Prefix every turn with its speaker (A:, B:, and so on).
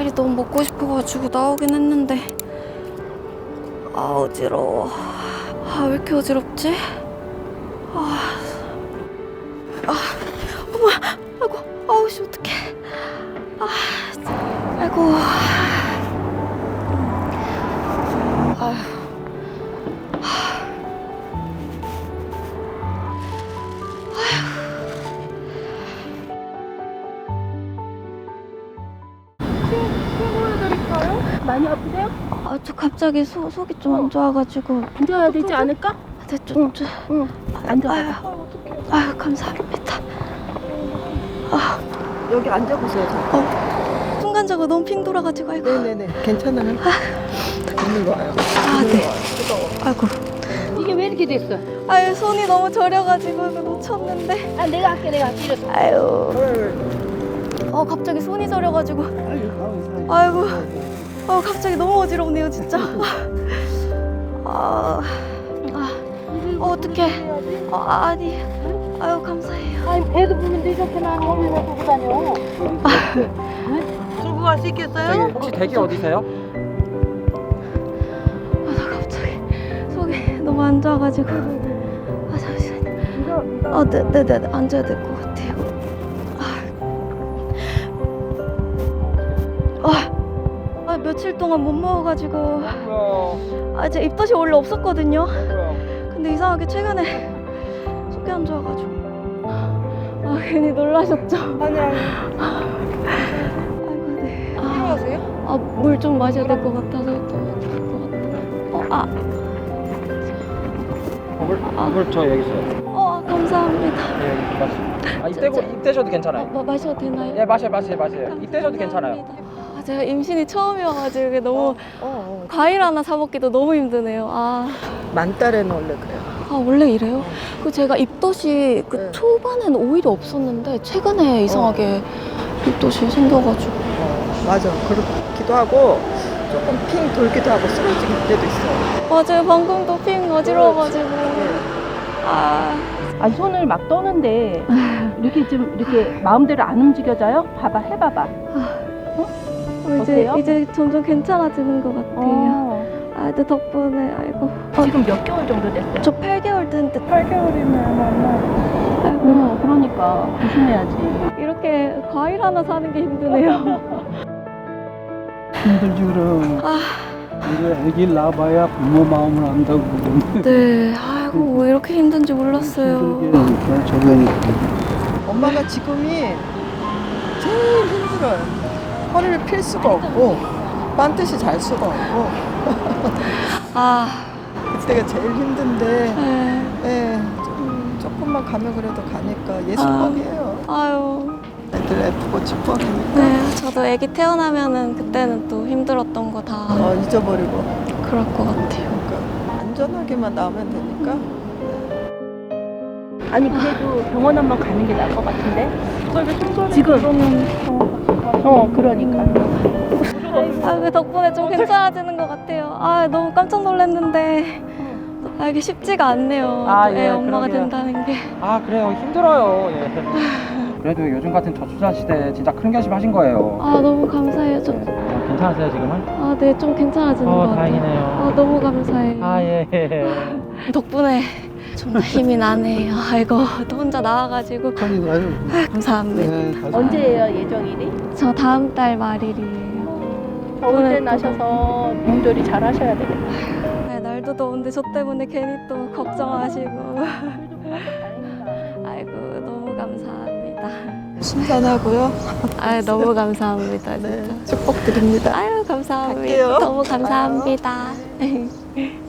A: 닭다리 너무 먹고 싶어가지고 나오긴 했는데 아 어지러워. 아 왜 이렇게 어지럽지? 어머, 아이고, 아우 씨 어떡해. 아이고. 아휴.
B: 많이 아프세요?
A: 아, 저 갑자기 속이 좀 안 좋아가지고.
B: 앉아야 되지 않을까?
A: 네,
B: 응. 앉아.
A: 아유, 감사합니다.
C: 여기 앉아보세요.
A: 순간적으로 너무 핑 돌아가지고, 아이고.
C: 네네네. 괜찮아요. 있는 거예요.
A: 아, 네. 아이고.
B: 이게 왜 이렇게 됐어?
A: 아유, 손이 너무 저려가지고 놓쳤는데.
B: 아, 내가 할게. 이랬어.
A: 아유. 갑자기 손이 저려가지고. 아이고. 갑자기 너무 어지럽네요, 진짜. 어떡해. 아니. 아유, 감사해요.
B: 아니, 애도 보면 이렇게 나는 왜 보고 다녀?
C: 들고 갈 수 있겠어요?
D: 혹시 댁이 어디세요?
A: 나 갑자기 속이 너무 안 좋아가지고. 잠시만요. 네네네. 앉아야 될 것 같아요. 며칠 동안 못 먹어가지고. 제 입덧이 원래 없었거든요. 근데 이상하게 최근에 속이 안 좋아가지고. 괜히 놀라셨죠?
C: 아니.
A: 아이고, 네.
C: 필요하세요?
A: 물 좀 마셔야 될 것 같아서 또 좋을 것 같아요.
D: 물 저 여기 있어요.
A: 감사합니다.
D: 네, 여기 마시. 입대셔도 괜찮아요.
A: 마셔도 되나요?
D: 예, 마셔요. 입대셔도 괜찮아요.
A: 제가 임신이 처음이어가지고 이게 너무 과일 하나 사 먹기도 너무 힘드네요.
C: 만달에는 원래 그래요.
A: 원래 이래요? 그 제가 입덧이
C: 네.
A: 초반에는 오히려 없었는데 최근에 이상하게 입덧이 생겨가지고.
C: 맞아. 그렇기도 하고 조금 핑 돌기도 하고 쓰러질 때도 있어요.
A: 맞아요. 방금도 핑 어지러워가지고.
B: 손을 막 떠는데 이렇게 좀 이렇게 마음대로 안 움직여져요? 해봐봐. 어때요?
A: 이제 점점 괜찮아지는 것 같아요. 근데 덕분에 아이고.
B: 지금 몇 개월 정도 됐어요?
A: 저 8개월 됐는데
B: 8개월이면 아이고, 그러니까 조심해야지.
A: 이렇게 과일 하나 사는 게 힘드네요.
E: 힘들지 그럼. 이제 애기 낳아봐야 부모 마음을 안다고 그러는데.
A: 네. 아이고 왜 이렇게 힘든지 몰랐어요.
E: 힘들게 저변이.
C: 엄마가 지금이 제일 힘들어요. 허리를 필 수가 없고 반드시 잘 수가 없고 그때가 제일 힘든데
A: 네.
C: 조금만 가면 그래도 가니까 예술복이에요.
A: 아유.
C: 애들 예쁘고 축복이니까
A: 네. 저도 아기 태어나면은 그때는 또 힘들었던 거 다
C: 잊어버리고
A: 그럴 것 같아요.
C: 그러니까 안전하게만 나오면 되니까.
B: 아니, 그래도 병원 한번 가는 게 나을 것 같은데? 지금. 그러니까.
A: 그 덕분에 좀 괜찮아지는 것 같아요. 너무 깜짝 놀랐는데 이게 쉽지가 않네요.
D: 예,
A: 엄마가
D: 그러게요.
A: 된다는 게.
D: 그래요. 힘들어요. 예. 그래도 요즘 같은 저출산 시대에 진짜 큰 결심하신 거예요.
A: 너무 감사해요.
D: 괜찮으세요 지금은?
A: 네, 좀 괜찮아지는 것 같아요.
D: 다행이네요.
A: 너무 감사해요.
D: 예.
A: 덕분에 좀 더 힘이 나네요. 아이고, 또 혼자 나와가지고 감사합니다.
B: 언제예요, 예정일이?
A: 저 다음 달 말일이에요.
B: 더울 때 나셔서 몸조리 잘 하셔야 되겠다.
A: 날도 더운데 저 때문에 괜히 또 걱정하시고. 아이고, 너무 감사합니다.
C: 신선하고요.
A: 너무 감사합니다. 진짜.
C: 네, 축복드립니다.
A: 감사합니다.
C: 갈게요.
A: 너무 감사합니다.